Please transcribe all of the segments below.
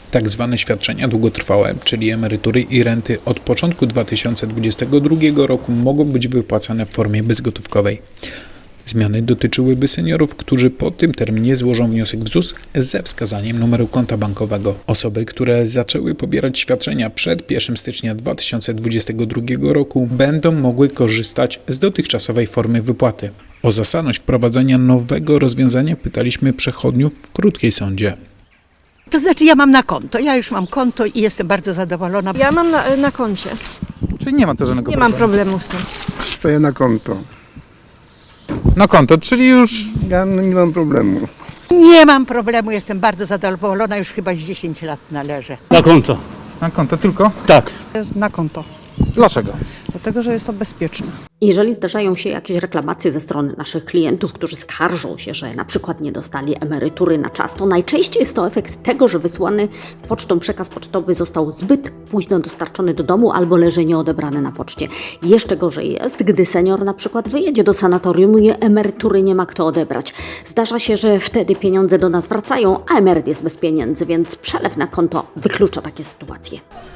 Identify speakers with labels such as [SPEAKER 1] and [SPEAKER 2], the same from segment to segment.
[SPEAKER 1] Tak zwane świadczenia długotrwałe, czyli emerytury i renty od początku 2022 roku mogą być wypłacane w formie bezgotówkowej. Zmiany dotyczyłyby seniorów, którzy po tym terminie złożą wniosek w ZUS ze wskazaniem numeru konta bankowego. Osoby, które zaczęły pobierać świadczenia przed 1 stycznia 2022 roku, będą mogły korzystać z dotychczasowej formy wypłaty. O zasadność wprowadzenia nowego rozwiązania pytaliśmy przechodniów w Krótkiej Sądzie.
[SPEAKER 2] To znaczy ja mam na konto, ja już mam konto i jestem bardzo zadowolona.
[SPEAKER 3] Ja mam na koncie.
[SPEAKER 4] Czyli nie ma to żadnego
[SPEAKER 3] Nie
[SPEAKER 4] problemu.
[SPEAKER 3] mam problemu z tym.
[SPEAKER 5] Stoję na konto.
[SPEAKER 4] Na konto, czyli już
[SPEAKER 5] Ja nie mam problemu.
[SPEAKER 2] Nie mam problemu, jestem bardzo zadowolona, już chyba z 10 lat należę.
[SPEAKER 6] Na konto.
[SPEAKER 4] na konto tylko?
[SPEAKER 6] Tak.
[SPEAKER 7] Na konto,
[SPEAKER 4] Dlaczego?
[SPEAKER 7] dlatego że jest to bezpieczne.
[SPEAKER 8] Jeżeli zdarzają się jakieś reklamacje ze strony naszych klientów, którzy skarżą się, że na przykład nie dostali emerytury na czas, to najczęściej jest to efekt tego, że wysłany pocztą przekaz pocztowy został zbyt późno dostarczony do domu albo leży nieodebrany na poczcie. Jeszcze gorzej jest, gdy senior na przykład wyjedzie do sanatorium i emerytury nie ma kto odebrać. Zdarza się, że wtedy pieniądze do nas wracają, a emeryt jest bez pieniędzy, więc przelew na konto wyklucza takie sytuacje.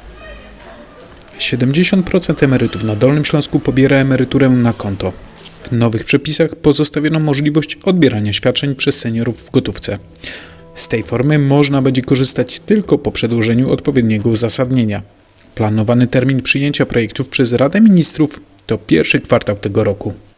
[SPEAKER 1] 70% emerytów na Dolnym Śląsku pobiera emeryturę na konto. W nowych przepisach pozostawiono możliwość odbierania świadczeń przez seniorów w gotówce. Z tej formy można będzie korzystać tylko po przedłożeniu odpowiedniego uzasadnienia. Planowany termin przyjęcia projektów przez Radę Ministrów to pierwszy kwartał tego roku.